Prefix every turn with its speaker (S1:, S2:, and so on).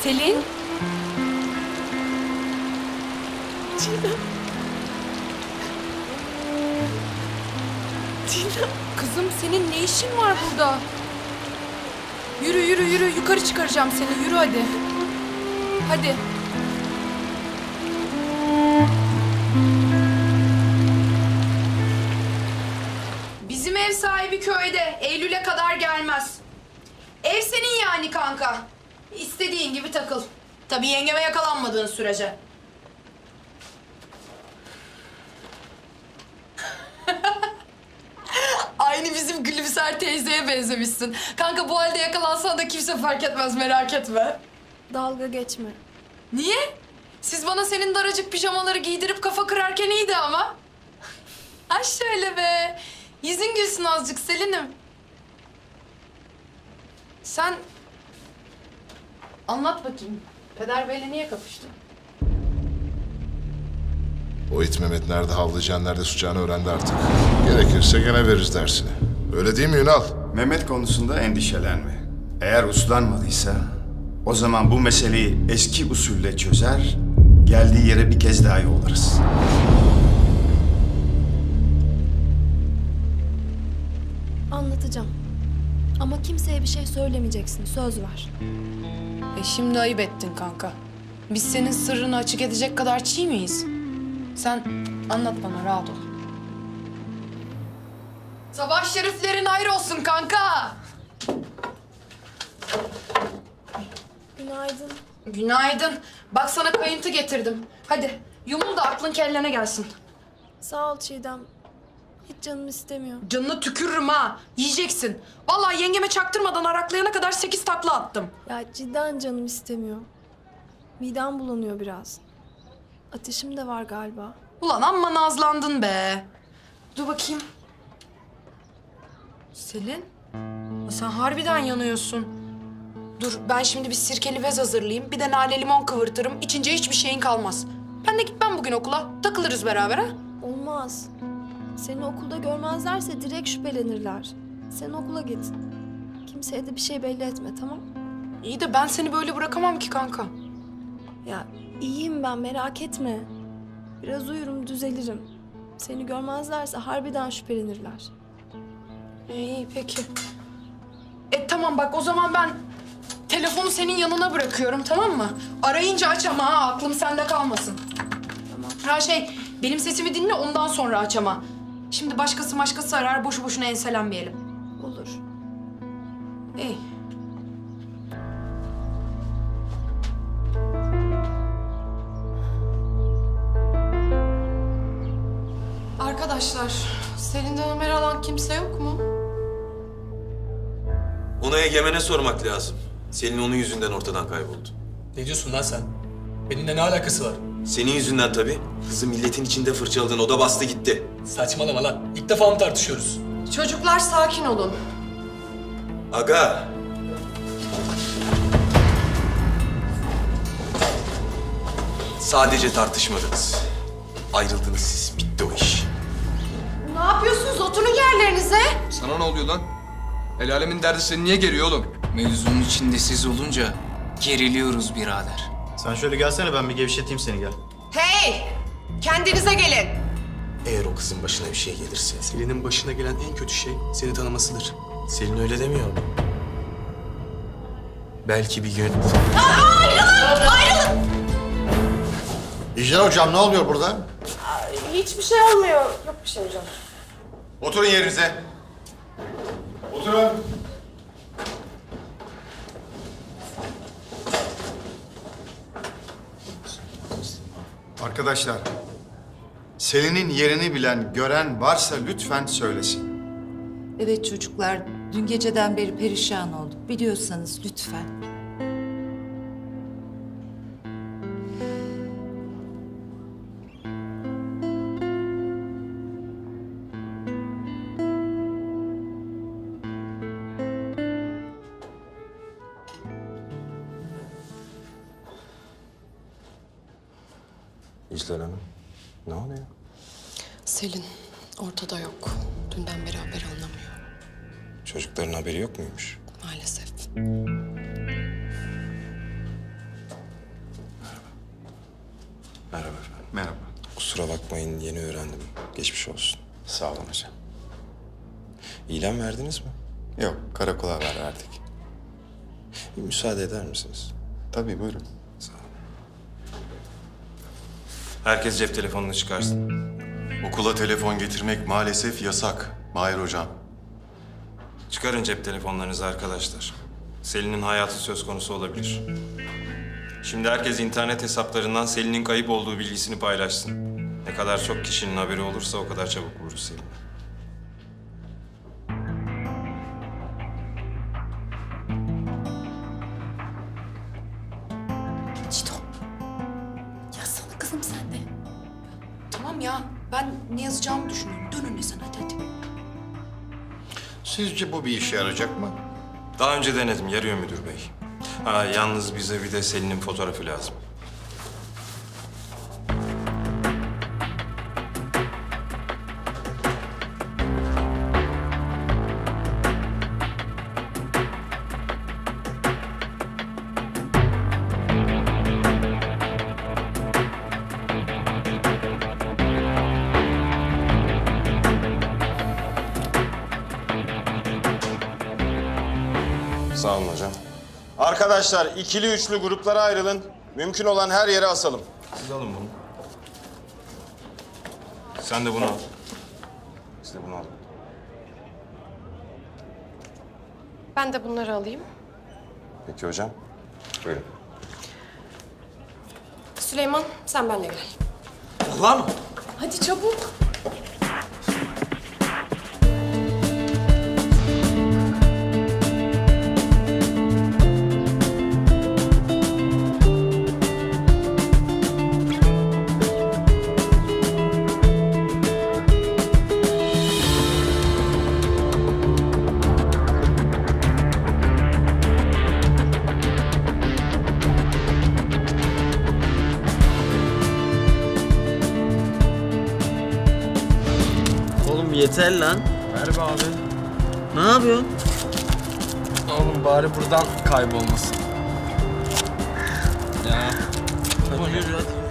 S1: Selin?
S2: Çiğdem. Çiğdem.
S1: Kızım senin ne işin var burada? Yürü yürü yürü, yukarı çıkaracağım seni, yürü hadi. Hadi. Bizim ev sahibi köyde, Eylül'e kadar gelmez. Ev senin yani kanka. İstediğin gibi takıl. Tabii yengeme yakalanmadığın sürece. Aynı bizim Gülümser teyzeye benzemişsin. Kanka bu halde yakalansan da kimse fark etmez, merak etme.
S2: Dalga geçme.
S1: Niye? Siz bana senin daracık pijamaları giydirip kafa kırarken iyiydi ama. Ha şöyle be. Yüzün gülsün azıcık Selin'im. Sen anlat bakayım. Peder Bey'le niye kapıştın?
S3: O it Mehmet nerede havlayacağını, nerede tutacağını öğrendi artık. Gerekirse gene veririz dersini. Öyle değil mi Ünal?
S4: Mehmet konusunda endişelenme. Eğer uslanmadıysa o zaman bu meseleyi eski usulle çözer, geldiği yere bir kez daha yollarız.
S2: Anlatacağım. Ama kimseye bir şey söylemeyeceksin. Söz ver.
S1: Şimdi ayıp ettin kanka. Biz senin sırrını açık edecek kadar çiğ miyiz? Sen anlat bana, rahat ol. Sabah şeriflerin hayır olsun kanka.
S2: Günaydın.
S1: Günaydın. Bak sana kayıntı getirdim. Hadi yumul da aklın kellene gelsin.
S2: Sağ ol Çiğdem. Hiç canım istemiyor.
S1: Canını tükürürüm ha. Yiyeceksin. Vallahi yengeme çaktırmadan araklayana kadar 8 takla attım.
S2: Ya cidden canım istemiyor. Midem bulanıyor biraz. Ateşim de var galiba.
S1: Ulan amma nazlandın be. Dur bakayım. Selin, sen harbiden yanıyorsun. Dur ben şimdi bir sirkeli bez hazırlayayım. Bir de nane limon kıvırtırım. İçince hiçbir şeyin kalmaz. Ben de gitmem bugün okula. Takılırız beraber ha.
S2: Olmaz. Seni okulda görmezlerse direkt şüphelenirler. Sen okula git. Kimseye de bir şey belli etme, tamam?
S1: İyi de ben seni böyle bırakamam ki kanka.
S2: Ya iyiyim ben, merak etme. Biraz uyurum, düzelirim. Seni görmezlerse harbiden şüphelenirler.
S1: İyi peki. Tamam bak o zaman ben telefonu senin yanına bırakıyorum, tamam mı? Arayınca aç ama ha, aklım sende kalmasın.
S2: Tamam.
S1: Her şey benim sesimi dinle, ondan sonra aç ama. Şimdi başkası arar, boşu boşuna enselenmeyelim.
S2: Olur.
S1: İyi. Arkadaşlar, Selin'den haber alan kimse yok mu?
S5: Ona Egemen'e sormak lazım. Selin onun yüzünden ortadan kayboldu.
S6: Ne diyorsun lan sen? Benimle ne alakası var?
S5: Senin yüzünden tabii. Kızı milletin içinde fırçaladın, o da bastı gitti.
S6: Saçmalama lan. İlk defa mı tartışıyoruz?
S1: Çocuklar sakin olun.
S5: Aga! Sadece tartışmadınız. Ayrıldınız siz, bitti o iş.
S1: Ne yapıyorsunuz? Oturun yerlerinize.
S7: Sana ne oluyor lan? El alemin derdi seni niye geriyor oğlum?
S8: Mevzunun içinde siz olunca geriliyoruz birader.
S9: Sen şöyle gelsene, ben bir gevşeteyim seni, gel.
S1: Hey! Kendinize gelin.
S5: Eğer o kızın başına bir şey gelirse...
S6: Selin'in başına gelen en kötü şey seni tanımasıdır.
S5: Selin öyle demiyor mu? Belki bir gün...
S3: İcra hocam ne oluyor burada?
S2: Hiçbir şey olmuyor. Yok bir şey hocam.
S4: Oturun yerinize. Oturun. Arkadaşlar, Selin'in yerini bilen, gören varsa lütfen söylesin.
S10: Evet çocuklar, dün geceden beri perişan olduk. Biliyorsanız lütfen.
S5: İclal Hanım, ne oluyor?
S1: Selin ortada yok. Dünden beri haber anlamıyor.
S5: Çocukların haberi yok muymuş?
S1: Maalesef.
S5: Merhaba efendim.
S4: Merhaba.
S5: Kusura bakmayın, yeni öğrendim. Geçmiş olsun.
S4: Sağ olun hocam.
S5: İlan verdiniz mi?
S4: Yok, karakola haber verdik.
S5: Bir müsaade eder misiniz?
S4: Tabii buyurun.
S5: Sağ olun. Herkes cep telefonunu çıkarsın.
S11: Okula telefon getirmek maalesef yasak Mahir hocam.
S5: Çıkarın cep telefonlarınızı arkadaşlar. Selin'in hayatı söz konusu olabilir. Şimdi herkes internet hesaplarından Selin'in kayıp olduğu bilgisini paylaşsın. Ne kadar çok kişinin haberi olursa o kadar çabuk buluruz Selin'i.
S2: Çito. Yazsana kızım sen de.
S1: Tamam ya, ben ne yazacağımı düşünüyorum. Dön önüne sen, hadi.
S3: Sizce bu bir işe yarayacak mı?
S5: Daha önce denedim, yarıyor müdür bey. Ha, yalnız bize bir de Selin'in fotoğrafı lazım. Sağ olun hocam.
S12: Arkadaşlar ikili üçlü gruplara ayrılın. Mümkün olan her yere asalım.
S5: Siz alın bunu. Sen de bunu al. Siz de bunu alın.
S13: Ben de bunları alayım.
S5: Peki hocam. Buyurun.
S13: Süleyman, sen benimle gel.
S6: Allah mı?
S13: Hadi çabuk.
S9: Oğlum yeter lan.
S6: Ver be abi.
S9: Ne yapıyorsun?
S6: Oğlum bari buradan kaybolmasın. Ya.
S9: Hadi yürü hadi.